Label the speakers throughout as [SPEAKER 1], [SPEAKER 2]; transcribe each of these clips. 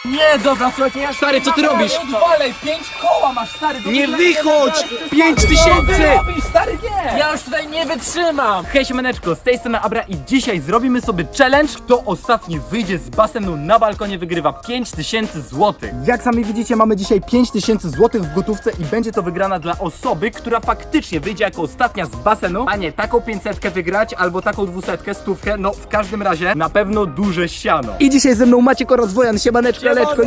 [SPEAKER 1] Nie, dobra, słuchajcie, ja...
[SPEAKER 2] Stary, co ty robisz?
[SPEAKER 1] Odwalej, 5 koła masz, stary!
[SPEAKER 2] Nie wychodź! 5000!
[SPEAKER 1] robisz, stary, nie! Ja już tutaj nie wytrzymam!
[SPEAKER 3] Hej siemaneczko, z tej strony Abra i dzisiaj zrobimy sobie challenge. Kto ostatni wyjdzie z basenu na balkonie, wygrywa 5000 zł. Jak sami widzicie, mamy dzisiaj 5000 zł w gotówce i będzie to wygrana dla osoby, która faktycznie wyjdzie jako ostatnia z basenu, a nie taką 500 wygrać albo taką 200, 100, no w każdym razie na pewno duże siano. I dzisiaj ze mną Maciek oraz Wojan, siemaneczko, leczko,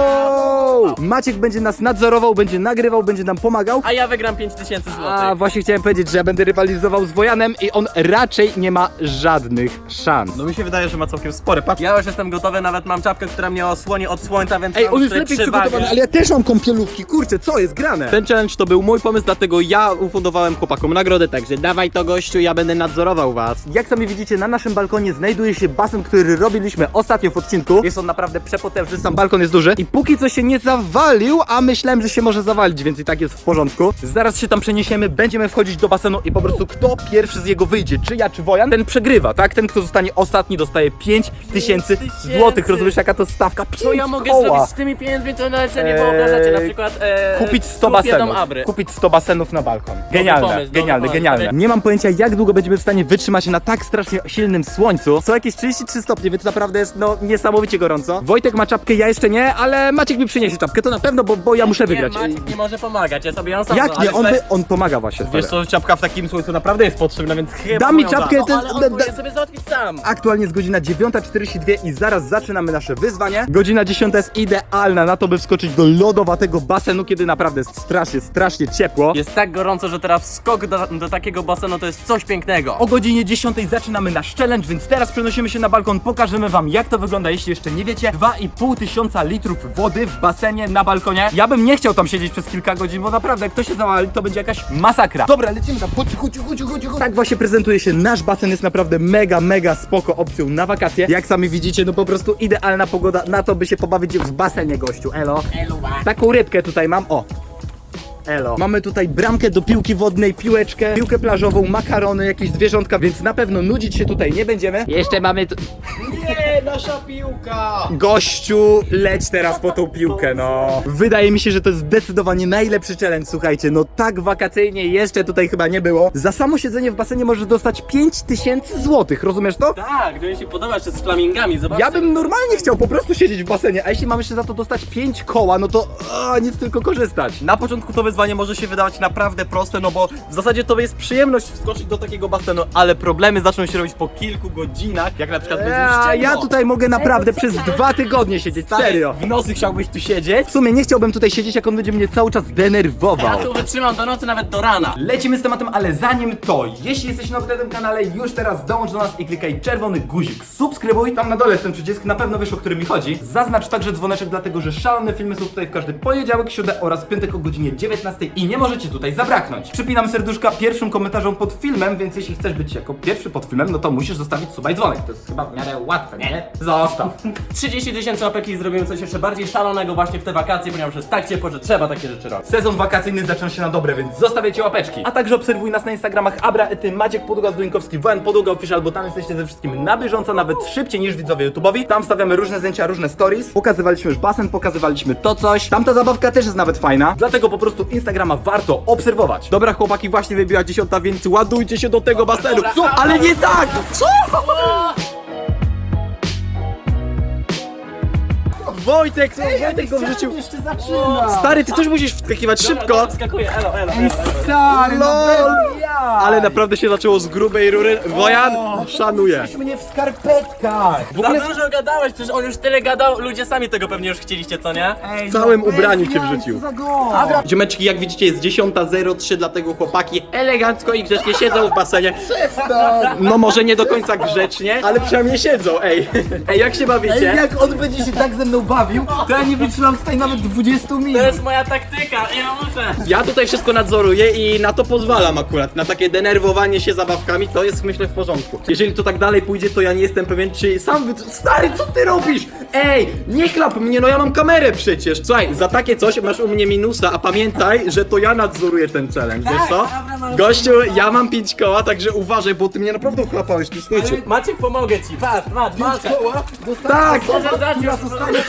[SPEAKER 3] yo! Maciek będzie nas nadzorował, będzie nagrywał, będzie nam pomagał.
[SPEAKER 1] A ja wygram 5000 zł.
[SPEAKER 3] A właśnie chciałem powiedzieć, że ja będę rywalizował z Wojanem i on raczej nie ma żadnych szans.
[SPEAKER 2] No mi się wydaje, że ma całkiem spore, patrz.
[SPEAKER 1] Ja już jestem gotowy, nawet mam czapkę, która mnie osłoni od słońca, więc
[SPEAKER 3] Ej,
[SPEAKER 1] mam
[SPEAKER 3] on jest
[SPEAKER 1] tutaj
[SPEAKER 3] lepiej
[SPEAKER 1] przewagę.
[SPEAKER 3] przygotowany, ale ja też mam kąpielówki, kurczę, co jest grane?
[SPEAKER 2] Ten challenge to był mój pomysł, dlatego ja ufundowałem chłopakom nagrodę, także dawaj to gościu, ja będę nadzorował was.
[SPEAKER 3] Jak sami widzicie, na naszym balkonie znajduje się basen, który robiliśmy ostatnio w odcinku. Jest on naprawdę przepotężny, sam balkon jest duży. I póki co się nie zawalił, a myślałem, że się może zawalić, więc i tak jest w porządku. Zaraz się tam przeniesiemy, będziemy wchodzić do basenu i po prostu kto pierwszy z jego wyjdzie, czy ja, czy Wojan, ten przegrywa, tak? Ten, kto zostanie ostatni, dostaje 5000 złotych. Rozumiesz, jaka to stawka?
[SPEAKER 1] Co ja mogę zrobić z tymi pieniędzmi, to nawet sobie nie wyobrażacie, na przykład
[SPEAKER 3] Kupić 100
[SPEAKER 1] kupię dom
[SPEAKER 3] basenów.
[SPEAKER 1] Abry.
[SPEAKER 3] Kupić 100 basenów na balkon. Genialne,
[SPEAKER 1] pomysł,
[SPEAKER 3] genialne,
[SPEAKER 1] dobry
[SPEAKER 3] genialne.
[SPEAKER 1] pomysł.
[SPEAKER 3] Nie mam pojęcia, jak długo będziemy w stanie wytrzymać na tak strasznie silnym słońcu. Są jakieś 33 stopnie, więc naprawdę jest no niesamowicie gorąco. Wojtek ma czapkę, ja jeszcze nie, ale Maciek mi przyniesie czapkę, to na pewno, bo ja muszę wygrać.
[SPEAKER 1] Nie, Maciek nie może pomagać, ja sobie ją sam
[SPEAKER 3] Jak nie? On pomaga właśnie.
[SPEAKER 2] Wiesz
[SPEAKER 3] stary.
[SPEAKER 2] co, czapka w takim słońcu naprawdę jest potrzebna, więc chyba
[SPEAKER 3] Da mi
[SPEAKER 2] moją
[SPEAKER 3] czapkę,
[SPEAKER 2] da.
[SPEAKER 3] ten,
[SPEAKER 1] Ale on powinien sobie załatwić sam.
[SPEAKER 3] Aktualnie jest godzina 9:42 i zaraz zaczynamy nasze wyzwanie. Godzina 10 jest idealna na to, by wskoczyć do lodowatego basenu, kiedy naprawdę jest strasznie ciepło.
[SPEAKER 1] Jest tak gorąco, że teraz skok do takiego basenu to jest coś pięknego.
[SPEAKER 3] O godzinie 10 zaczynamy nasz challenge, więc teraz przenosimy się na balkon, pokażemy wam, jak to wygląda, jeśli jeszcze nie wiecie. 2500 litrów wody w basenie na balkonie. Ja bym nie chciał tam siedzieć przez kilka godzin, bo naprawdę jak to się zawali, to będzie jakaś masakra. Dobra, lecimy tam, chodź. Tak właśnie prezentuje się nasz basen, jest naprawdę mega spoko opcją na wakacje. Jak sami widzicie, no po prostu idealna pogoda na to, by się pobawić w basenie, gościu, elo. Taką rybkę tutaj mam, o. Elo. Mamy tutaj bramkę do piłki wodnej, piłeczkę, piłkę plażową, makarony, jakieś zwierzątka, więc na pewno nudzić się tutaj nie będziemy. Jeszcze mamy tu...
[SPEAKER 2] Nie, nasza piłka!
[SPEAKER 3] Gościu, leć teraz po tą piłkę, no. Wydaje mi się, że to jest zdecydowanie najlepszy challenge, słuchajcie, no tak wakacyjnie jeszcze tutaj chyba nie było. Za samo siedzenie w basenie możesz dostać 5000 złotych, rozumiesz to?
[SPEAKER 1] Tak, gdyby mi się podoba jeszcze z flamingami, zobaczcie.
[SPEAKER 3] Ja bym normalnie chciał po prostu siedzieć w basenie, a jeśli mamy jeszcze za to dostać 5 koła, no to nic tylko korzystać.
[SPEAKER 2] Na początku to wyzwanie może się wydawać naprawdę proste, no bo w zasadzie to jest przyjemność wskoczyć do takiego basenu, ale problemy zaczną się robić po kilku godzinach, jak na przykład będzie już ciemno.
[SPEAKER 3] Ja tutaj mogę naprawdę przez 2 tygodnie siedzieć,
[SPEAKER 2] Stary,
[SPEAKER 3] serio.
[SPEAKER 2] w nocy chciałbyś tu siedzieć?
[SPEAKER 3] W sumie nie chciałbym tutaj siedzieć, jak on będzie mnie cały czas denerwował.
[SPEAKER 1] Ja tu wytrzymam do nocy, nawet do rana.
[SPEAKER 3] Lecimy z tematem, ale zanim to, jeśli jesteś nowy na tym kanale, już teraz dołącz do nas i klikaj czerwony guzik, subskrybuj. Tam na dole jest ten przycisk, na pewno wiesz, o który mi chodzi. Zaznacz także dzwoneczek, dlatego że szalone filmy są tutaj w każdy poniedziałek, środę oraz piątek o godzinie 19 i nie możecie tutaj zabraknąć. Przypinam serduszka pierwszym komentarzom pod filmem, więc jeśli chcesz być jako pierwszy pod filmem, no to musisz zostawić suba i dzwonek. To jest chyba w miarę łatwe, nie? Zostaw.
[SPEAKER 1] 30 000 łapek i zrobimy coś jeszcze bardziej szalonego właśnie w te wakacje, ponieważ jest tak ciepło, że trzeba takie rzeczy robić.
[SPEAKER 3] Sezon wakacyjny zaczyna się na dobre, więc zostawiajcie łapeczki. A także obserwuj nas na Instagramach Abra, Ety, Maciek Podługa, Zduńkowski, Wojan Podługa Official, bo tam jesteście ze wszystkim na bieżąco, nawet szybciej niż widzowie YouTube'owi. Tam stawiamy różne zdjęcia, różne stories. Pokazywaliśmy już basen, pokazywaliśmy to coś. Tamta zabawka też jest nawet fajna, dlatego po prostu Instagrama warto obserwować.
[SPEAKER 2] Dobra chłopaki, właśnie wybiła 10, więc ładujcie się do tego basenu.
[SPEAKER 1] dobra.
[SPEAKER 2] Co? Ale nie tak! Co? Wojtek go wrzucił.
[SPEAKER 3] jeszcze zaczyna.
[SPEAKER 2] Stary, ty też musisz wskakiwać szybko.
[SPEAKER 1] Wskakuję, elo.
[SPEAKER 3] Stary,
[SPEAKER 2] Lol.
[SPEAKER 3] ja.
[SPEAKER 2] Ale naprawdę się zaczęło z grubej rury. Wojan, szanuję.
[SPEAKER 3] mnie w skarpetkach.
[SPEAKER 2] W ogóle
[SPEAKER 1] Za dużo gadałeś, przecież on już tyle gadał, ludzie sami tego pewnie już chcieliście, co nie?
[SPEAKER 3] Ej,
[SPEAKER 2] w całym
[SPEAKER 3] bez
[SPEAKER 2] ubraniu cię
[SPEAKER 3] jaj,
[SPEAKER 2] wrzucił.
[SPEAKER 3] co za gość.
[SPEAKER 2] Ziomeczki, jak widzicie jest 10:03, dlatego chłopaki elegancko i grzecznie siedzą w basenie. No może nie do końca grzecznie, ale przynajmniej siedzą, ej. Ej, jak się bawicie?
[SPEAKER 3] Jak on będzie się tak ze mną bawił, to ja nie wytrzymam tutaj nawet 20 minut.
[SPEAKER 1] To jest moja taktyka, ja muszę.
[SPEAKER 2] Ja tutaj wszystko nadzoruję i na to pozwalam akurat. Na takie denerwowanie się zabawkami to jest myślę w porządku. Jeżeli to tak dalej pójdzie, to ja nie jestem pewien, czy sam Stary, co ty robisz? Ej, nie chlap mnie, no ja mam kamerę przecież. Słuchaj, za takie coś masz u mnie minusa, a pamiętaj, że to ja nadzoruję ten challenge, wiesz co?
[SPEAKER 1] dobra, no.
[SPEAKER 2] Gościu, ja mam 5 koła, także uważaj, bo ty mnie naprawdę chlapałeś, tu słuchajcie.
[SPEAKER 1] Maciek, pomogę ci, patrz, walka.
[SPEAKER 2] Tak!
[SPEAKER 1] Może zacząć,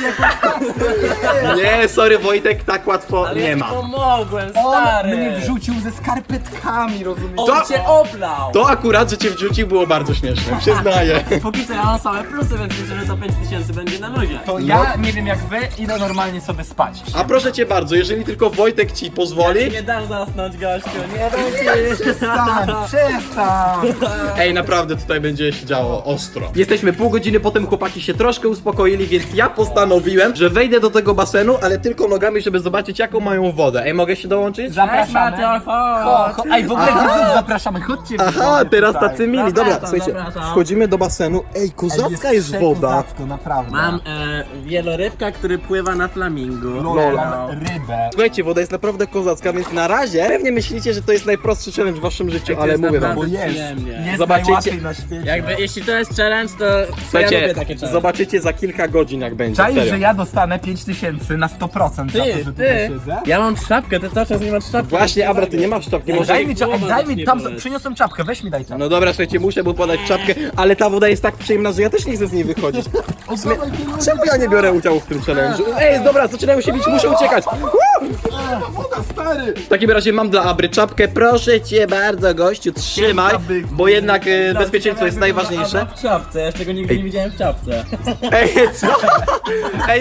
[SPEAKER 2] Nie, sorry Wojtek, tak łatwo
[SPEAKER 1] ale
[SPEAKER 2] nie
[SPEAKER 1] ja ci
[SPEAKER 2] ma.
[SPEAKER 1] pomogłem,
[SPEAKER 3] On
[SPEAKER 1] stary.
[SPEAKER 3] mnie wrzucił ze skarpetkami, rozumiesz?
[SPEAKER 1] On
[SPEAKER 2] To-
[SPEAKER 1] cię oblał.
[SPEAKER 2] To akurat, że cię wrzucił było bardzo śmieszne, przyznaję.
[SPEAKER 1] Póki co ja mam same plusy, więc myślę, że to 5000 będzie na luzie.
[SPEAKER 3] To ja nie wiem jak wy, idę normalnie sobie spać.
[SPEAKER 2] A proszę cię bardzo, jeżeli tylko Wojtek ci
[SPEAKER 1] Ja
[SPEAKER 2] pozwoli.
[SPEAKER 1] ci nie dam zasnąć, gościu, nie dam ci.
[SPEAKER 3] Przestań!
[SPEAKER 2] Ej, naprawdę tutaj będzie się działo ostro. Jesteśmy pół godziny, potem chłopaki się troszkę uspokoili, więc ja postanowiłem, że wejdę do tego basenu, ale tylko nogami, żeby zobaczyć jaką mają wodę. Ej, mogę się dołączyć?
[SPEAKER 3] Zapraszamy. Ej, w ogóle widzów zapraszamy, chodźcie.
[SPEAKER 2] Aha,
[SPEAKER 3] widzowie,
[SPEAKER 2] teraz
[SPEAKER 3] tutaj.
[SPEAKER 2] tacy mili. Dobra,
[SPEAKER 1] Zapraszam,
[SPEAKER 2] słuchajcie,
[SPEAKER 1] zapraszam.
[SPEAKER 2] wchodzimy do basenu. Ej, kozacka jest woda.
[SPEAKER 3] Kozacko, naprawdę.
[SPEAKER 1] Mam wielorybka, który pływa na flamingu.
[SPEAKER 3] Lol, mam rybę.
[SPEAKER 2] Słuchajcie, woda jest naprawdę kozacka, więc na razie pewnie myślicie, że to jest najprostszy challenge w waszym życiu,
[SPEAKER 1] To
[SPEAKER 2] ale
[SPEAKER 1] jest
[SPEAKER 2] mówię wam.
[SPEAKER 1] naprawdę
[SPEAKER 3] Bo jest.
[SPEAKER 1] przyjemnie.
[SPEAKER 3] Jest
[SPEAKER 2] Zobaczycie.
[SPEAKER 3] najłatwiej na świecie.
[SPEAKER 1] Jakby, jeśli to jest challenge, to ja
[SPEAKER 2] Słuchajcie,
[SPEAKER 1] lubię takie challenge.
[SPEAKER 2] zobaczycie za kilka godzin jak będzie.
[SPEAKER 3] Czaisz,
[SPEAKER 2] serio.
[SPEAKER 3] że ja dostanę 5000 na 100% za to, że tutaj siedzę?
[SPEAKER 1] Ja mam czapkę, ty cały czas nie masz czapki.
[SPEAKER 2] Właśnie, Abra, ty nie masz czapki, może...
[SPEAKER 3] Daj mi,
[SPEAKER 1] głowa
[SPEAKER 3] daj mi,
[SPEAKER 1] zacznie
[SPEAKER 3] tam
[SPEAKER 1] boleć.
[SPEAKER 3] przyniosłem czapkę, weź mi daj czapkę.
[SPEAKER 2] No dobra, słuchajcie, muszę mu podać czapkę, ale ta woda jest tak przyjemna, że ja też nie chcę z niej wychodzić. Czemu ja nie biorę udziału w tym challenge'u? Ej, dobra, zaczynają się bić, muszę uciekać. W takim razie mam dla Abry czapkę, proszę cię bardzo, gościu, trzymaj, bo jednak bezpieczeństwo jest najważniejsze.
[SPEAKER 1] W czapce, ja jeszcze go nigdy nie widziałem w czapce.
[SPEAKER 2] Ej, co? Ej,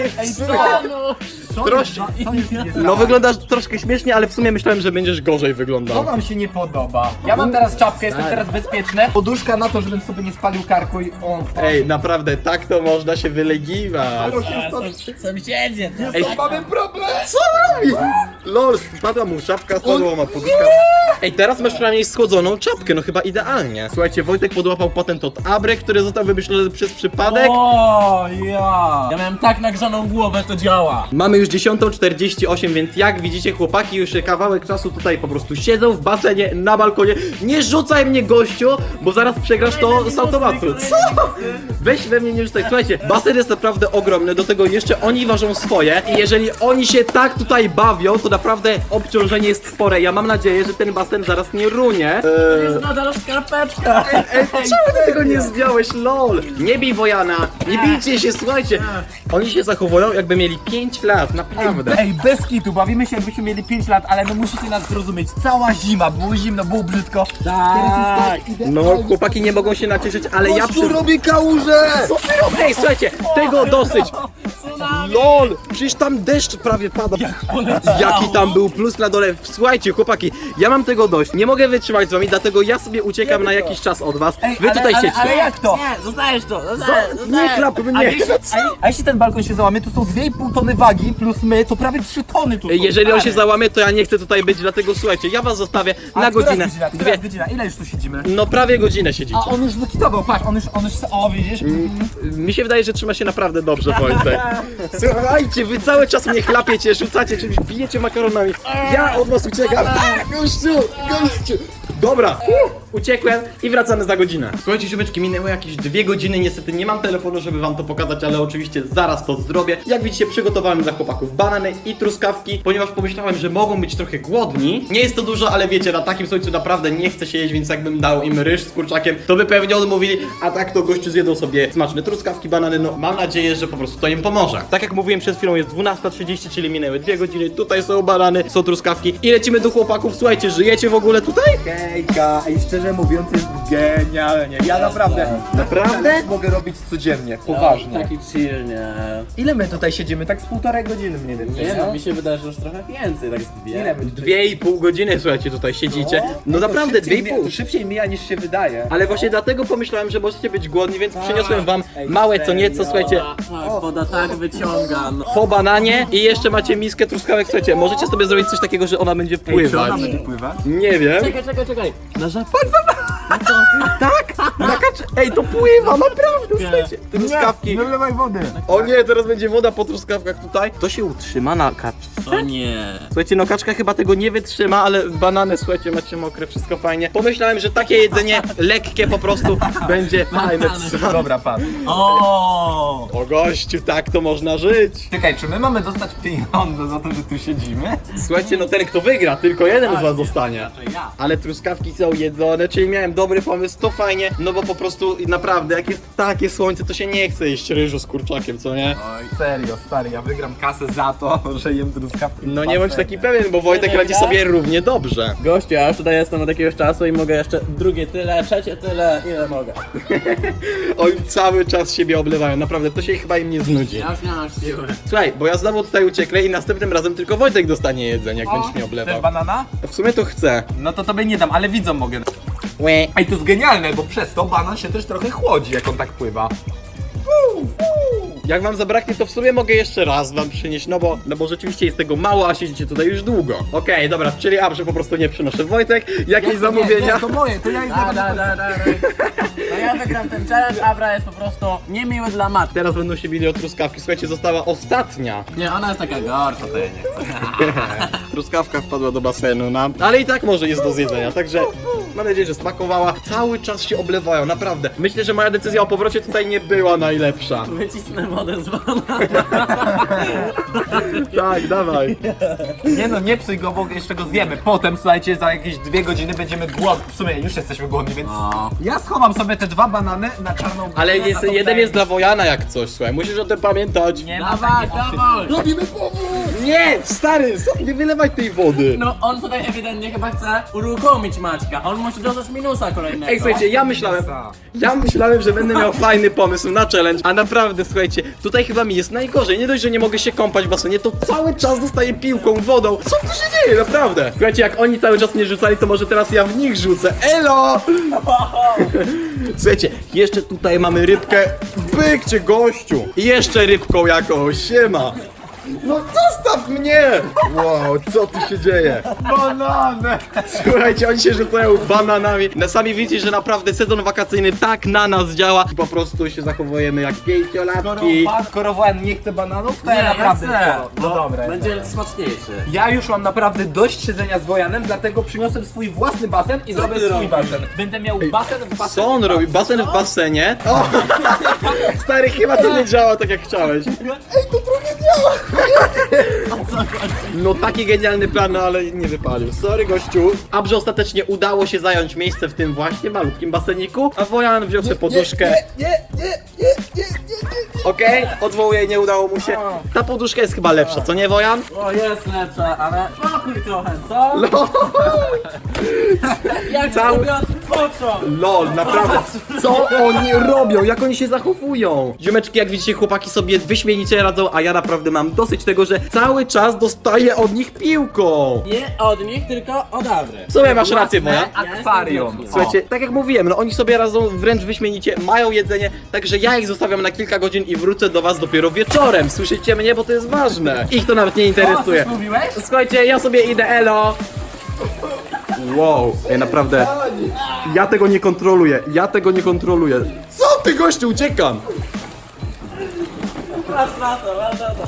[SPEAKER 2] troszkę.
[SPEAKER 3] Co jest nie
[SPEAKER 2] No wyglądasz troszkę śmiesznie, ale w sumie myślałem, że będziesz gorzej
[SPEAKER 3] To
[SPEAKER 2] wyglądał.
[SPEAKER 3] wam się nie podoba. Ja mam teraz czapkę, jestem teraz bezpieczny. Poduszka na to, żebym sobie nie spalił karku i o.
[SPEAKER 2] Ej, naprawdę, tak to można się wylegiwać.
[SPEAKER 1] Sąsiedzie,
[SPEAKER 2] Ej,
[SPEAKER 3] Mamy problem!
[SPEAKER 2] co robi? Lol, spadła mu czapka, spadła mu poduszka. Ej, teraz masz przynajmniej schłodzoną czapkę, no chyba idealnie. Słuchajcie, Wojtek podłapał patent od Abry, który został wymyślony przez przypadek.
[SPEAKER 1] O, ja miałem tak nagrzaną głowę, to działa.
[SPEAKER 2] Mamy już 10:48, więc jak widzicie, chłopaki już kawałek czasu tutaj po prostu siedzą w basenie, na balkonie. Nie rzucaj mnie, gościu, bo zaraz przegrasz to z automatu. Co? Weź we mnie nie rzucaj. Słuchajcie, basen jest naprawdę ogromny, do tego jeszcze oni ważą swoje i jeżeli oni się tak tutaj bawią, to naprawdę obciążenie jest spore. Ja mam nadzieję, że ten basen zaraz nie runie.
[SPEAKER 1] To jest nadal skarpeczka.
[SPEAKER 2] Czemu ty tego nie zdjąłeś, lol? Nie bij Wojana, nie bijcie się, słuchajcie. Oni się zachowują, jakby mieli 5 lat, naprawdę.
[SPEAKER 3] Ej, bez kitu, bawimy się jakbyśmy mieli 5 lat, ale no musicie nas zrozumieć. Cała zima, było zimno, było brzydko.
[SPEAKER 1] Tak.
[SPEAKER 2] No, chłopaki nie mogą się nacieszyć, ale ja przy...
[SPEAKER 3] robi kałużę!
[SPEAKER 2] Co ty robisz? Ej, słuchajcie, tego dosyć! LOL! Przecież tam deszcz prawie pada. Jaki tam był plus na dole. Słuchajcie, chłopaki, ja mam tego dość. Nie mogę wytrzymać z wami, dlatego ja sobie uciekam na jakiś czas od was. Wy tutaj siedźcie.
[SPEAKER 3] Ale jak to?
[SPEAKER 1] Nie, zostajesz to.
[SPEAKER 2] Nie klap
[SPEAKER 3] A
[SPEAKER 2] mnie!
[SPEAKER 3] jeśli ten balkon się załamie, to są 2,5 tony wagi plus my, to prawie 3 tony tu są.
[SPEAKER 2] Jeżeli on się załamie, to ja nie chcę tutaj być, dlatego słuchajcie, ja was zostawię
[SPEAKER 3] A
[SPEAKER 2] na
[SPEAKER 3] która
[SPEAKER 2] godzinę.
[SPEAKER 3] jest godzina? Która
[SPEAKER 2] Dwie.
[SPEAKER 3] jest godzina? Ile już tu siedzimy?
[SPEAKER 2] No prawie godzinę siedzicie.
[SPEAKER 3] A on już wykitował, patrz, on już, o widzisz?
[SPEAKER 2] Mi się wydaje, że trzyma się naprawdę dobrze, Wojtek. Słuchajcie, wy cały czas mnie chlapiecie, rzucacie czymś, bijecie makaronami. Ja od was uciekam. Gościu, gościu. Dobra, uciekłem i wracamy za godzinę. Słuchajcie, ziomeczki, minęły jakieś 2 godziny. Niestety nie mam telefonu, żeby wam to pokazać, ale oczywiście zaraz to zrobię. Jak widzicie, przygotowałem dla chłopaków banany i truskawki, ponieważ pomyślałem, że mogą być trochę głodni. Nie jest to dużo, ale wiecie, na takim słońcu naprawdę nie chce się jeść, więc jakbym dał im ryż z kurczakiem, to by pewnie odmówili, a tak to gościu zjedzą sobie smaczne truskawki, banany. No mam nadzieję, że po prostu to im pomoże. Tak jak mówiłem przed chwilą, jest 12:30, czyli minęły 2 godziny. Tutaj są banany, są truskawki i lecimy do chłopaków. Słuchajcie, żyjecie w ogóle tutaj?
[SPEAKER 3] Hejka, i szczerze mówiąc jest genialnie. Ja naprawdę mogę robić codziennie, poważnie.
[SPEAKER 1] Taki chill, nie.
[SPEAKER 3] Ile my tutaj siedzimy? Tak z 1,5 godziny mniej więcej.
[SPEAKER 1] Nie no, mi się wydaje, że już trochę więcej, tak z dwie.
[SPEAKER 3] Ile my?
[SPEAKER 2] 2,5 godziny, słuchajcie, tutaj siedzicie. No naprawdę, 2,5.
[SPEAKER 3] To szybciej mija niż się wydaje.
[SPEAKER 2] Ale właśnie dlatego pomyślałem, że możecie być głodni, więc przyniosłem wam małe co nieco, słuchajcie,
[SPEAKER 1] Tak, woda tak wyciąga, no.
[SPEAKER 2] po bananie i jeszcze macie miskę truskawek, słuchajcie, możecie sobie zrobić coś takiego, że ona będzie pływać.
[SPEAKER 3] będzie pływać?
[SPEAKER 2] Nie wiem.
[SPEAKER 1] Czekaj. Na żabkę.
[SPEAKER 2] Tak, taka Ej, to pływa, naprawdę, słuchajcie. Truskawki.
[SPEAKER 3] Nie wlewaj wody.
[SPEAKER 2] O nie, teraz będzie woda po truskawkach tutaj. To się utrzyma na kaczce?
[SPEAKER 1] O nie.
[SPEAKER 2] Słuchajcie, no kaczka chyba tego nie wytrzyma, ale banany, słuchajcie, macie mokre, wszystko fajnie. Pomyślałem, że takie jedzenie lekkie po prostu będzie fajne.
[SPEAKER 3] Dobra, patrz.
[SPEAKER 1] O.
[SPEAKER 2] O gościu, tak to można żyć.
[SPEAKER 3] Czekaj, czy my mamy dostać pieniądze za to, że tu siedzimy?
[SPEAKER 2] Słuchajcie, no ten kto wygra, tylko jeden z was zostanie.
[SPEAKER 1] To ja.
[SPEAKER 2] Ale truskawki są jedzone, czyli miałem dobry pomysł, to fajnie, no bo po prostu naprawdę, jak jest takie słońce, to się nie chce jeść ryżu z kurczakiem, co nie?
[SPEAKER 3] Oj, serio, stary, ja wygram kasę za to, że jem truskawki.
[SPEAKER 2] No nie bądź taki pewien, bo Wojtek radzi sobie równie dobrze.
[SPEAKER 1] Gościu, ja już tutaj jestem od jakiegoś czasu i mogę jeszcze drugie tyle, trzecie tyle, ile mogę.
[SPEAKER 2] Oni cały czas siebie oblewają, naprawdę, to się chyba im nie znudzi.
[SPEAKER 1] Ja już nie mam siły.
[SPEAKER 2] Słuchaj, bo ja znowu tutaj ucieknę i następnym razem tylko Wojtek dostanie jedzenie, jak będziesz mnie
[SPEAKER 3] Chcesz
[SPEAKER 2] oblewał.
[SPEAKER 3] banana?
[SPEAKER 2] W sumie to chcę.
[SPEAKER 3] No to tobie nie dam, ale widzom mogę. Ej, to jest genialne, bo przez to banan się też trochę chłodzi, jak on tak pływa.
[SPEAKER 2] Jak wam zabraknie, to w sumie mogę jeszcze raz wam przynieść, no bo rzeczywiście jest tego mało, a siedzicie tutaj już długo. Okej, dobra, czyli Abrze po prostu nie przynoszę. Wojtek, jakieś zamówienia?
[SPEAKER 3] Nie, to moje, to ja ich
[SPEAKER 1] No ja wygram ten challenge, Abra jest po prostu niemiły dla matki.
[SPEAKER 2] Teraz będą się bili o truskawki. Słuchajcie, została ostatnia.
[SPEAKER 1] Nie, ona jest taka gorsza, to ja nie chcę.
[SPEAKER 2] Truskawka wpadła do basenu nam, ale i tak może jest do zjedzenia, także mam nadzieję, że smakowała. Cały czas się oblewają, naprawdę. Myślę, że moja decyzja o powrocie tutaj nie była najlepsza.
[SPEAKER 1] Wycisnę wodę z banana.
[SPEAKER 2] Tak, dawaj.
[SPEAKER 3] Nie no, nie psuj go, bo jeszcze go zjemy. Potem, słuchajcie, za jakieś 2 godziny będziemy głodni. W sumie już jesteśmy głodni, więc
[SPEAKER 1] No.
[SPEAKER 3] ja schowam sobie te 2 banany na czarną
[SPEAKER 2] Ale
[SPEAKER 3] górę,
[SPEAKER 2] jest,
[SPEAKER 3] na tą
[SPEAKER 2] jeden jest dla
[SPEAKER 3] tajemnicę.
[SPEAKER 2] Wojana jak coś, słuchaj, musisz o tym pamiętać.
[SPEAKER 3] Nie ma
[SPEAKER 1] Dawaj,
[SPEAKER 3] takiej opcji.
[SPEAKER 1] dawaj.
[SPEAKER 2] Robimy powód! Nie, stary, nie wylewaj tej wody.
[SPEAKER 1] No on tutaj ewidentnie chyba chce uruchomić Maćka. On musi dostać minusa kolejnego.
[SPEAKER 2] Ej, słuchajcie, ja myślałem, że będę miał fajny pomysł na challenge, a naprawdę, słuchajcie, tutaj chyba mi jest najgorzej. Nie dość, że nie mogę się kąpać w basenie, to cały czas dostaję piłką, wodą. Co tu się dzieje, naprawdę? Słuchajcie, jak oni cały czas mnie rzucali, to może teraz ja w nich rzucę. Elo! Słuchajcie, jeszcze tutaj mamy rybkę. Bykcie, gościu! I jeszcze rybką jakąś, siema! No zostaw mnie! Wow, co tu się dzieje?
[SPEAKER 3] Banany!
[SPEAKER 2] Słuchajcie, oni się rzucają bananami. No sami widzicie, że naprawdę sezon wakacyjny tak na nas działa. I po prostu się zachowujemy jak pięciolatki.
[SPEAKER 3] Skoro Wojan nie chce bananów, to
[SPEAKER 1] Nie,
[SPEAKER 3] ja
[SPEAKER 1] ja
[SPEAKER 3] naprawdę
[SPEAKER 1] chcę.
[SPEAKER 3] No dobra.
[SPEAKER 1] Będzie smaczniejszy.
[SPEAKER 3] Ja już mam naprawdę dość siedzenia z Wojanem, dlatego przyniosłem swój własny basen i zrobię
[SPEAKER 1] ty
[SPEAKER 3] swój
[SPEAKER 1] robisz?
[SPEAKER 3] basen. Będę miał basen w basenie.
[SPEAKER 2] Co on robi? Basen w basenie? O! Stary, chyba to nie działa tak jak chciałeś. Ej, to trochę działa! No taki genialny plan, no ale nie wypalił. Sorry gościu. Abrze ostatecznie udało się zająć miejsce w tym właśnie malutkim baseniku, a Wojan wziął sobie poduszkę. Okej, odwołuję, nie udało mu się. Ta poduszka jest chyba lepsza, co nie, Wojan?
[SPEAKER 1] O, jest lepsza, ale spokój trochę, co? Jak
[SPEAKER 2] Cały-
[SPEAKER 1] sobie odpoczął?
[SPEAKER 2] LOL, naprawdę. Co oni robią? Jak oni się zachowują? Ziomeczki, jak widzicie, chłopaki sobie wyśmienicie radzą, a ja naprawdę mam dosyć tego, że cały czas dostaję od nich piłką.
[SPEAKER 1] Nie od nich, tylko od Abry.
[SPEAKER 2] W sumie masz rację, Wojan.
[SPEAKER 3] Akwarium.
[SPEAKER 2] Słuchajcie, tak jak mówiłem, no oni sobie radzą wręcz wyśmienicie, mają jedzenie, także ja ich zostawiam na kilka godzin i wrócę do was dopiero wieczorem. Słyszycie mnie, bo to jest ważne. Ich to nawet nie interesuje.
[SPEAKER 3] Co mówiłeś?
[SPEAKER 2] Słuchajcie, ja sobie idę, elo. Wow, naprawdę, ja tego nie kontroluję, Co ty, gościu, uciekam.
[SPEAKER 1] Patrz na to, patrz na to.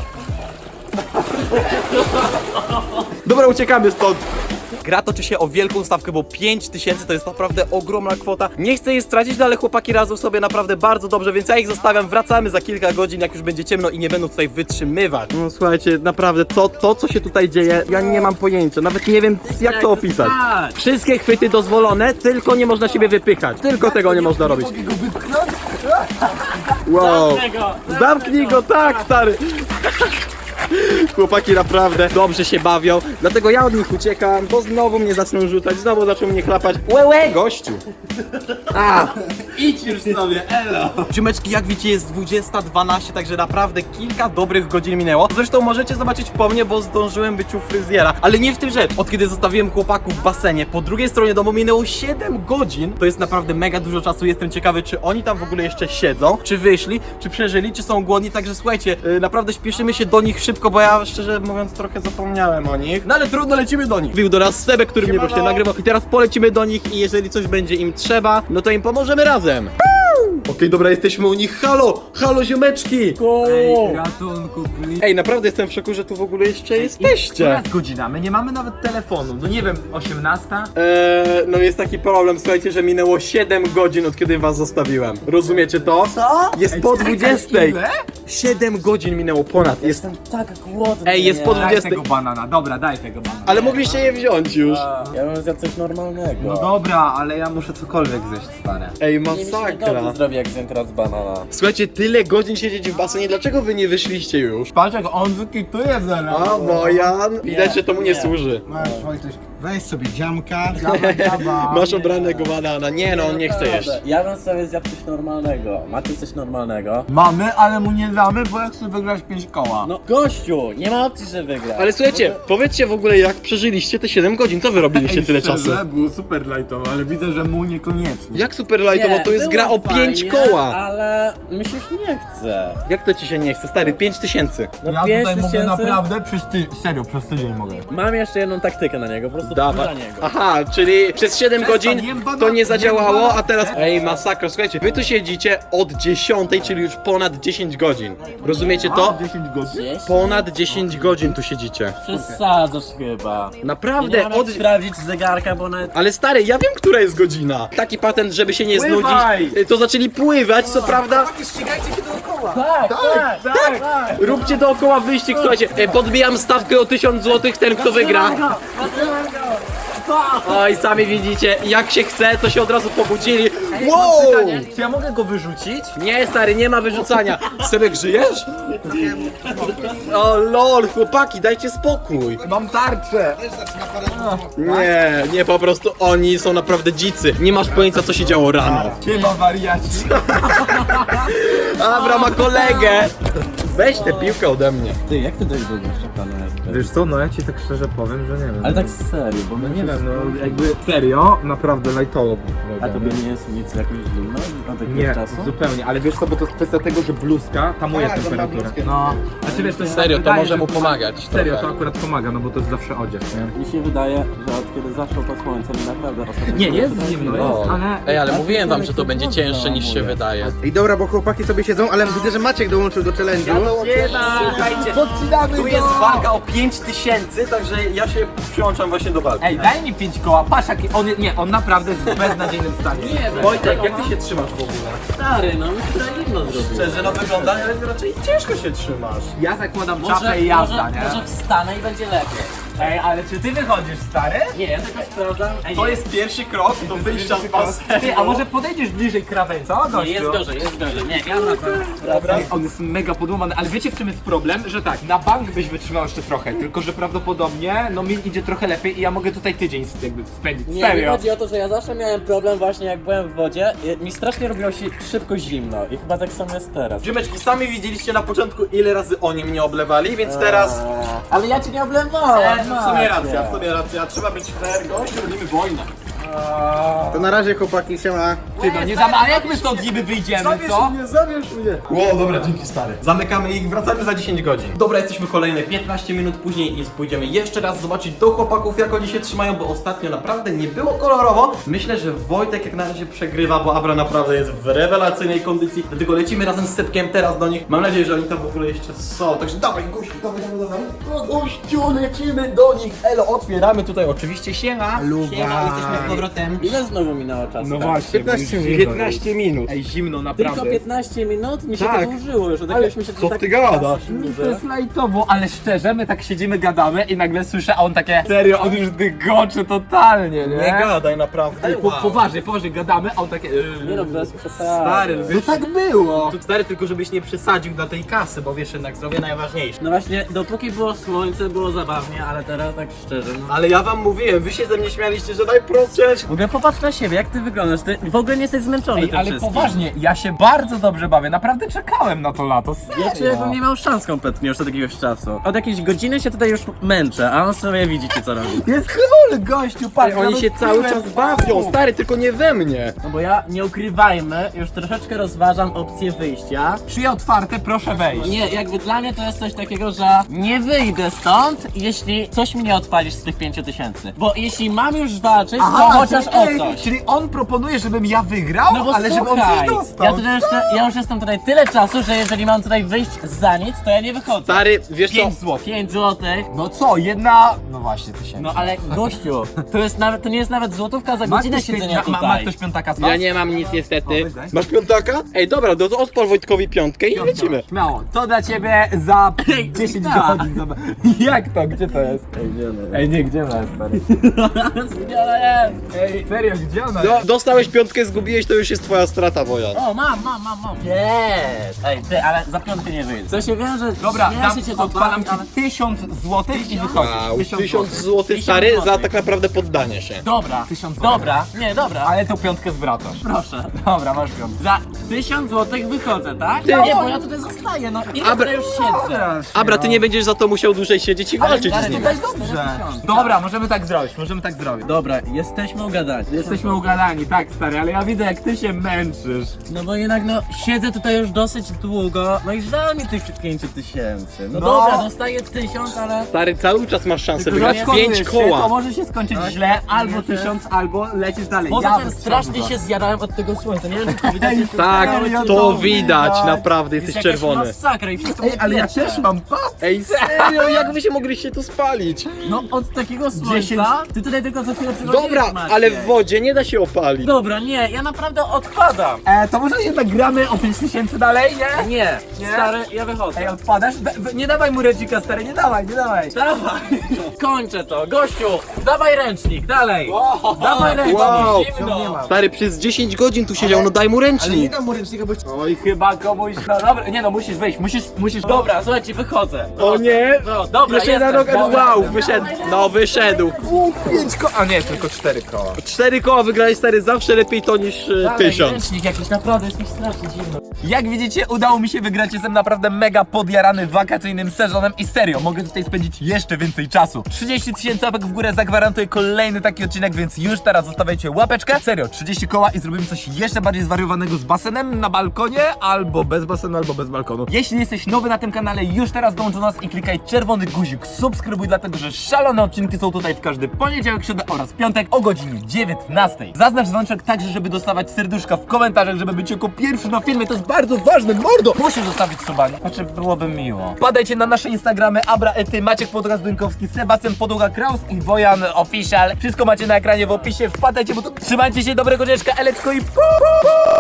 [SPEAKER 2] Dobra, uciekamy stąd.
[SPEAKER 3] Gra toczy się o wielką stawkę, bo 5000 to jest naprawdę ogromna kwota. Nie chcę jej stracić, no ale chłopaki radzą sobie naprawdę bardzo dobrze, więc ja ich zostawiam. Wracamy za kilka godzin, jak już będzie ciemno i nie będą tutaj wytrzymywać.
[SPEAKER 2] No słuchajcie, naprawdę, to co się tutaj dzieje, ja nie mam pojęcia, nawet nie wiem jak to opisać.
[SPEAKER 1] Tak.
[SPEAKER 2] Wszystkie chwyty dozwolone, tylko nie można siebie wypychać. Tylko tego nie można robić.
[SPEAKER 3] Mogę go wypchnąć?
[SPEAKER 2] Wow.
[SPEAKER 1] Zamknij go.
[SPEAKER 2] Zamknij go, tak, stary. Chłopaki naprawdę dobrze się bawią, dlatego ja od nich uciekam, bo znowu mnie zaczną rzucać, znowu zaczną mnie chlapać. Łe, gościu! A!
[SPEAKER 1] Idź już sobie, elo.
[SPEAKER 2] Ziomeczki, jak widzicie, jest 20:12, także naprawdę kilka dobrych godzin minęło. Zresztą możecie zobaczyć po mnie, bo zdążyłem być u fryzjera. Ale nie w tym rzecz. Od kiedy zostawiłem chłopaków w basenie, po drugiej stronie domu minęło 7 godzin. To jest naprawdę mega dużo czasu. Jestem ciekawy, czy oni tam w ogóle jeszcze siedzą, czy wyszli, czy przeżyli, czy są głodni. Także słuchajcie, naprawdę śpieszymy się do nich szybko, bo ja szczerze mówiąc trochę zapomniałem o nich. No ale trudno, lecimy do nich. Wbił do nas Sebek, który mnie właśnie nagrywał. I teraz polecimy do nich i jeżeli coś będzie im trzeba, no to im pomożemy razem. Okej, dobra, jesteśmy u nich. Halo! Halo, ziomeczki!
[SPEAKER 3] Ej, ratunku, please.
[SPEAKER 2] Ej, naprawdę jestem w szoku, że tu w ogóle jeszcze jesteście.
[SPEAKER 3] Która jest godzina? My nie mamy nawet telefonu. No nie wiem, 18?
[SPEAKER 2] No jest taki problem, słuchajcie, że minęło 7 godzin od kiedy was zostawiłem. Rozumiecie to?
[SPEAKER 1] Co?
[SPEAKER 2] Jest po 20.
[SPEAKER 3] Ile?
[SPEAKER 2] 7 godzin minęło ponad. Jest...
[SPEAKER 1] Jestem tak głodny.
[SPEAKER 2] Ej, jest po
[SPEAKER 3] Daj
[SPEAKER 2] 20.
[SPEAKER 3] tego banana, dobra, daj tego banana.
[SPEAKER 2] Ale mogliście je wziąć już.
[SPEAKER 1] Ja bym zjadł coś normalnego.
[SPEAKER 3] No dobra, ale ja muszę cokolwiek zjeść, stary.
[SPEAKER 2] Ej,
[SPEAKER 1] Nie mi się
[SPEAKER 2] masakra.
[SPEAKER 1] dobrze zrobi, jak zjem teraz banana.
[SPEAKER 2] Słuchajcie, tyle godzin siedzieć w basenie, dlaczego wy nie wyszliście już?
[SPEAKER 3] Patrz jak on wykituje zaraz.
[SPEAKER 2] A, Wojan, widać, że to mu nie służy.
[SPEAKER 4] Masz, Wojtuś, weź sobie dziamka.
[SPEAKER 2] Masz obranego banana. Nie no, on nie chce jeść.
[SPEAKER 1] Ja bym sobie zjadł coś normalnego. Macie coś normalnego?
[SPEAKER 3] Mamy, ale mu nie damy, bo ja chcę wygrać 5 koła.
[SPEAKER 1] No gościu, nie ma opcji, że wygra.
[SPEAKER 2] Ale słuchajcie, powiedzcie w ogóle, jak przeżyliście te 7 godzin, co wy robiliście tyle czasu?
[SPEAKER 3] Było super lightowo, ale widzę, że mu niekoniecznie.
[SPEAKER 2] Jak super lightowo, to jest
[SPEAKER 1] było
[SPEAKER 2] gra o 5
[SPEAKER 1] fajnie,
[SPEAKER 2] koła.
[SPEAKER 1] Ale mi się już nie chce.
[SPEAKER 2] Jak to ci się nie chce, stary? 5000.
[SPEAKER 1] No
[SPEAKER 3] Ja
[SPEAKER 1] 5
[SPEAKER 3] tutaj mogę
[SPEAKER 1] tysięcy.
[SPEAKER 3] naprawdę serio, przez tydzień mogę.
[SPEAKER 1] Mam jeszcze jedną taktykę na niego, po prostu
[SPEAKER 2] Dawaj.
[SPEAKER 1] wkurza niego.
[SPEAKER 2] Aha, czyli przez 7 godzin
[SPEAKER 3] jem banana,
[SPEAKER 2] to nie zadziałało,
[SPEAKER 3] jem
[SPEAKER 2] a teraz... Ej, masakra, słuchajcie, wy tu siedzicie od 10, czyli już ponad 10 godzin. Rozumiecie to?
[SPEAKER 3] 10 godzin?
[SPEAKER 1] Gdzieś?
[SPEAKER 2] Ponad 10 godzin tu siedzicie.
[SPEAKER 1] Przesadzasz chyba.
[SPEAKER 2] Naprawdę,
[SPEAKER 1] Nie mam sprawdzić zegarka, bo nawet...
[SPEAKER 2] Ale stary, ja wiem, która jest godzina. Taki patent, żeby się nie
[SPEAKER 3] Pływaj!
[SPEAKER 2] znudzić, to zaczęli pływać, co prawda.
[SPEAKER 1] Tak.
[SPEAKER 2] Róbcie dookoła wyścig, słuchajcie. Podbijam stawkę o 1000 zł, ten kto wygra. Oj, sami widzicie, jak się chce, to się od razu pobudzili. Wow!
[SPEAKER 3] Czy ja mogę go wyrzucić?
[SPEAKER 2] Nie, stary, nie ma wyrzucania. Sebek, żyjesz? O lol, chłopaki, dajcie spokój.
[SPEAKER 3] Mam tarczę!
[SPEAKER 2] Nie, po prostu oni są naprawdę dzicy. Nie masz pojęcia, co się działo rano.
[SPEAKER 3] Chyba wariaci.
[SPEAKER 2] Abra ma kolegę. Weź tę piłkę ode mnie.
[SPEAKER 1] Ty, jak ty dojdziesz do gościa, pana?
[SPEAKER 3] Wiesz co, no ja ci tak szczerze powiem, że nie wiem.
[SPEAKER 1] Ale tak serio, bo my
[SPEAKER 3] Nie wiem, no jakby serio, naprawdę lightowo.
[SPEAKER 1] A tobie nie jest nic jakoś zimno od jakiegoś
[SPEAKER 3] Nie,
[SPEAKER 1] czasu?
[SPEAKER 3] zupełnie, ale wiesz co, bo to jest kwestia tego, że bluzka tamuje temperaturę. No, znaczy wiesz, to jest
[SPEAKER 2] Serio, to
[SPEAKER 3] wydaje,
[SPEAKER 2] może
[SPEAKER 3] że-
[SPEAKER 2] mu pomagać.
[SPEAKER 3] Serio, to
[SPEAKER 2] trochę.
[SPEAKER 3] akurat pomaga, no bo to jest zawsze odzież, nie?
[SPEAKER 1] Mi się wydaje, że od kiedy zaszło to słońce, mi naprawdę ostatnio...
[SPEAKER 3] Nie, jest zimno, jest, ale...
[SPEAKER 2] Ej, ale mówiłem wam, że to będzie cięższe niż się wydaje.
[SPEAKER 4] I dobra, bo chłopaki sobie siedzą, ale widzę, że Maciek dołączył do challenge'u.
[SPEAKER 1] Słuchajcie,
[SPEAKER 3] Podcinamy
[SPEAKER 1] tu jest walka o 5000, także ja się przyłączam właśnie do walki.
[SPEAKER 3] Ej, daj mi 5 koła, patrz jaki on, nie, on naprawdę jest w beznadziejnym stanie.
[SPEAKER 1] Nie,
[SPEAKER 2] Wojtek, jak ty się trzymasz w ogóle?
[SPEAKER 1] stary, no mi się zimno zrobiło.
[SPEAKER 2] Szczerze, no wygląda, ale raczej ciężko się trzymasz.
[SPEAKER 3] Ja zakładam czapę i jazda, nie?
[SPEAKER 1] może wstanę i będzie lepiej.
[SPEAKER 3] Ej, ale czy ty wychodzisz, stary?
[SPEAKER 1] Nie, ja tylko sprawdzam.
[SPEAKER 2] To jest pierwszy krok do wyjścia z basenu.
[SPEAKER 3] Ty, a może podejdziesz bliżej krawędzi, co, gościu?
[SPEAKER 1] Nie, jest gorzej, jest gorzej. Nie, ja na to.
[SPEAKER 3] Ej, on jest mega podłamany, ale wiecie w czym jest problem? Że tak, na bank byś wytrzymał jeszcze trochę, tylko że prawdopodobnie, no mi idzie trochę lepiej i ja mogę tutaj tydzień jakby spędzić,
[SPEAKER 1] Nie, mi
[SPEAKER 3] serio.
[SPEAKER 1] chodzi o to, że ja zawsze miałem problem właśnie jak byłem w wodzie. Mi strasznie robiło się szybko zimno i chyba tak samo jest teraz.
[SPEAKER 2] Ziomeczki, sami widzieliście na początku, ile razy oni mnie oblewali, więc teraz...
[SPEAKER 1] Ale ja cię nie oblewałem.
[SPEAKER 2] W sumie racja, trzeba być fair, gościu, robimy wojnę.
[SPEAKER 4] To na razie chłopaki, siema.
[SPEAKER 3] Ty, no nie za a jak my stąd niby wyjdziemy, co?
[SPEAKER 2] Zabierz mnie. Wow, dobra, dzięki stary. Zamykamy ich, wracamy za 10 godzin. Dobra, jesteśmy kolejne 15 minut później i pójdziemy jeszcze raz zobaczyć do chłopaków, jak oni się trzymają, bo ostatnio naprawdę nie było kolorowo. Myślę, że Wojtek jak na razie przegrywa, bo Abra naprawdę jest w rewelacyjnej kondycji. Dlatego lecimy razem z Sepkiem teraz do nich. Mam nadzieję, że oni tam w ogóle jeszcze są. Także dawaj, gościu, dawaj. No, gościu, lecimy do nich. Elo, otwieramy tutaj oczywiście. Siema. Siema, jesteśmy z powrotem.
[SPEAKER 1] Ile znowu minęło czasu?
[SPEAKER 3] No właśnie,
[SPEAKER 4] 15 minut.
[SPEAKER 2] 15 minut.
[SPEAKER 3] Ej, zimno,
[SPEAKER 1] Tylko
[SPEAKER 3] naprawdę.
[SPEAKER 1] 15 minut? Mi się
[SPEAKER 2] Tak.
[SPEAKER 1] to dłużyło już. Od jakiegoś mi się to
[SPEAKER 2] co
[SPEAKER 1] tak
[SPEAKER 2] ty gadasz?
[SPEAKER 3] To jest lajtowo, ale szczerze, my tak siedzimy, gadamy i nagle słyszę, a on takie serio, on już dygoczy totalnie, nie?
[SPEAKER 2] Nie gadaj, naprawdę.
[SPEAKER 3] Ej, poważnie, gadamy, a on takie
[SPEAKER 1] Nie no, bez przesady.
[SPEAKER 2] Stary,
[SPEAKER 3] No
[SPEAKER 2] wiesz,
[SPEAKER 3] tak było!
[SPEAKER 2] stary, tylko żebyś nie przesadził dla tej kasy, bo wiesz, jednak zdrowie najważniejsze.
[SPEAKER 1] No właśnie, dopóki było słońce, było zabawnie, ale teraz tak szczerze, no.
[SPEAKER 2] Ale ja wam mówiłem, wy się ze mnie śmialiście, że najprostsze.
[SPEAKER 1] W ogóle popatrz na siebie, jak ty wyglądasz, ty w ogóle nie jesteś zmęczony
[SPEAKER 3] Ej,
[SPEAKER 1] tym
[SPEAKER 3] ale
[SPEAKER 1] wszystkim.
[SPEAKER 3] poważnie, ja się bardzo dobrze bawię, naprawdę czekałem na to lato,
[SPEAKER 1] Ja czuję, jakbym nie miał szans kompletnie już od jakiegoś czasu. Od jakiejś godziny się tutaj już męczę, a on sobie widzicie co robi.
[SPEAKER 3] Jest król, gościu, patrz,
[SPEAKER 2] Oni się cały czas bawią, stary, tylko nie we mnie.
[SPEAKER 1] No bo ja, nie ukrywajmy, już troszeczkę rozważam opcję wyjścia.
[SPEAKER 3] Drzwi otwarte, proszę wejść.
[SPEAKER 1] Nie, jakby dla mnie to jest coś takiego, że nie wyjdę stąd, jeśli coś mi nie odpalisz z tych 5000. Bo jeśli mam już walczyć, to chociaż o coś.
[SPEAKER 3] Czyli on proponuje, żebym ja wygrał,
[SPEAKER 1] No bo
[SPEAKER 3] ale żeby on
[SPEAKER 1] słuchaj,
[SPEAKER 3] coś dostał.
[SPEAKER 1] ja już jestem tutaj tyle czasu, że jeżeli mam tutaj wyjść za nic, to ja nie wychodzę.
[SPEAKER 2] Stary, wiesz co?
[SPEAKER 3] 5 zł.
[SPEAKER 1] 5 złotych.
[SPEAKER 3] No co, jedna... No właśnie, 1000.
[SPEAKER 1] No ale gościu, to nie jest nawet złotówka za
[SPEAKER 3] Ma
[SPEAKER 1] godzinę
[SPEAKER 3] ktoś,
[SPEAKER 1] siedzenia
[SPEAKER 3] ma
[SPEAKER 1] tutaj.
[SPEAKER 3] ktoś piątaka z was?
[SPEAKER 2] Ja nie mam nic niestety.
[SPEAKER 3] O, weź.
[SPEAKER 2] Masz piątaka? Ej, dobra, to odpal Wojtkowi piątkę i lecimy.
[SPEAKER 3] Śmiało, to dla ciebie za 10
[SPEAKER 1] tak.
[SPEAKER 3] godzin. Jak to? Gdzie to jest? Ej, nie, gdzie ona jest, stary?
[SPEAKER 1] Zbiora jest.
[SPEAKER 3] Ej, serio, gdzie ona jest?
[SPEAKER 2] No, dostałeś piątkę, zgubiłeś, to już jest twoja strata, Wojan.
[SPEAKER 1] O, mam. Jest. Ej, ty, ale za piątkę nie wyjdzie. Co się wiąże?
[SPEAKER 3] Dobra,
[SPEAKER 1] śmieję się to
[SPEAKER 3] odpalam
[SPEAKER 1] bawi, ale...
[SPEAKER 3] ci 1000 zł i wychodzisz.
[SPEAKER 2] Wow, 1000 zł
[SPEAKER 1] 1000
[SPEAKER 2] stary za
[SPEAKER 1] złotych.
[SPEAKER 2] tak naprawdę poddanie się.
[SPEAKER 1] Dobra,
[SPEAKER 3] 1000 złotych.
[SPEAKER 1] dobra, nie, dobra.
[SPEAKER 3] Ale tą piątkę zwracasz.
[SPEAKER 1] Proszę.
[SPEAKER 3] Dobra, masz piątkę.
[SPEAKER 1] Za 1000 złotych wychodzę, tak?
[SPEAKER 2] Ty-
[SPEAKER 1] Nie, bo ja tutaj zostaję, no ile tutaj już siedzę?
[SPEAKER 2] Abra, ty nie będziesz za to musiał dłużej siedzieć i walczyć
[SPEAKER 1] ale
[SPEAKER 2] z nim.
[SPEAKER 1] tutaj dobrze.
[SPEAKER 3] Dobra, możemy tak zrobić,
[SPEAKER 1] Dobra, jesteśmy ugadani.
[SPEAKER 3] Jesteśmy ugadani, tak stary, ale ja widzę jak ty się męczysz.
[SPEAKER 1] No bo jednak no, siedzę tutaj już dosyć długo, no i żal mi tych 5000. No,
[SPEAKER 3] No.
[SPEAKER 1] dobra, dostaję 1000, ale...
[SPEAKER 2] Stary, cały czas masz szansę
[SPEAKER 3] Tylko
[SPEAKER 2] wygrać
[SPEAKER 3] rozkładujesz
[SPEAKER 2] 5
[SPEAKER 3] się, To
[SPEAKER 2] koła.
[SPEAKER 3] może się skończyć źle, albo 1000, albo lecisz dalej.
[SPEAKER 1] Poza
[SPEAKER 3] Ja
[SPEAKER 1] tym
[SPEAKER 3] bym
[SPEAKER 1] strasznie
[SPEAKER 3] chciał
[SPEAKER 1] się zjadałem od tego słońca, nie wiem czy to widać. jest
[SPEAKER 2] Tak,
[SPEAKER 3] Serio,
[SPEAKER 2] to
[SPEAKER 3] to
[SPEAKER 2] widać,
[SPEAKER 3] widać.
[SPEAKER 2] naprawdę,
[SPEAKER 1] jakaś
[SPEAKER 2] jesteś czerwony.
[SPEAKER 1] masakra i wszystko
[SPEAKER 3] Ej, ale ja
[SPEAKER 1] piecze.
[SPEAKER 3] też mam, pa!
[SPEAKER 2] Ej, serio, jak wy się mogliście tu spalić?
[SPEAKER 1] No od takiego
[SPEAKER 3] 10.
[SPEAKER 1] słońca, ty tutaj tylko za chwilę przychodzisz,
[SPEAKER 2] Dobra,
[SPEAKER 1] Maciej.
[SPEAKER 2] ale w wodzie nie da się opalić.
[SPEAKER 1] Dobra, nie, ja naprawdę odpadam.
[SPEAKER 3] To może jednak gramy o 5000 dalej, nie?
[SPEAKER 1] Nie,
[SPEAKER 3] Nie?
[SPEAKER 1] stary, ja wychodzę.
[SPEAKER 3] Ej, odpadasz? Nie dawaj mu redzika, stary, nie dawaj.
[SPEAKER 1] Dawaj, kończę to, gościu, dawaj ręcznik, dalej. Dawaj ręcznik,
[SPEAKER 2] Wow.
[SPEAKER 1] zimno.
[SPEAKER 2] Stary, przez 10 godzin tu siedział, no daj mu ręcznik.
[SPEAKER 4] dam mu ręcznika, bo...
[SPEAKER 3] Oj, chyba komuś, no dobra, nie no, musisz wyjść, musisz...
[SPEAKER 1] Dobra, słuchajcie, wychodzę.
[SPEAKER 2] O nie!
[SPEAKER 1] No, dobra,
[SPEAKER 2] Jeszcze jedna
[SPEAKER 1] jestem.
[SPEAKER 2] noga,
[SPEAKER 1] Dobra.
[SPEAKER 2] wow, wyszedł. No, wyszedł.
[SPEAKER 3] 5 koła, a nie, tylko 4 koła.
[SPEAKER 2] 4 koła wygrałeś, stary, zawsze lepiej to niż
[SPEAKER 1] Dawaj,
[SPEAKER 2] 1000.
[SPEAKER 1] ręcznik jakiś, naprawdę jest mi strasznie zimno.
[SPEAKER 3] Jak widzicie, udało mi się wygrać, jestem naprawdę mega podjarany wakacyjnym sezonem i serio, mogę tutaj spędzić jeszcze więcej czasu. 30 000 łapek w górę zagwarantuję kolejny taki odcinek, więc już teraz zostawiajcie łapeczkę. Serio, 30 koła i zrobimy coś jeszcze bardziej zwariowanego z basenem na balkonie, albo bez basenu, albo bez balkonu. Jeśli jesteś nowy na tym kanale, już teraz dołącz do nas i klikaj czerwony guzik, subskrybuj, dlatego że szalone odcinki są tutaj w każdy poniedziałek, środę oraz piątek o godzinie 19. Zaznacz dzwoneczek także, żeby dostawać serduszka w komentarzach, żeby być jako pierwszy na filmie, to jest bardzo ważne, mordo! Musisz zostawić suba, znaczy byłoby miło. Padajcie na nasze Instagramy, Abra Ety, Maciek Podraz-Dynkowski, Sebastian Podłoga-Kraus i Wojan Official. Wszystko macie na ekranie w opisie, wpadajcie, bo to trzymajcie się, dobrego dzieczka, Elecko i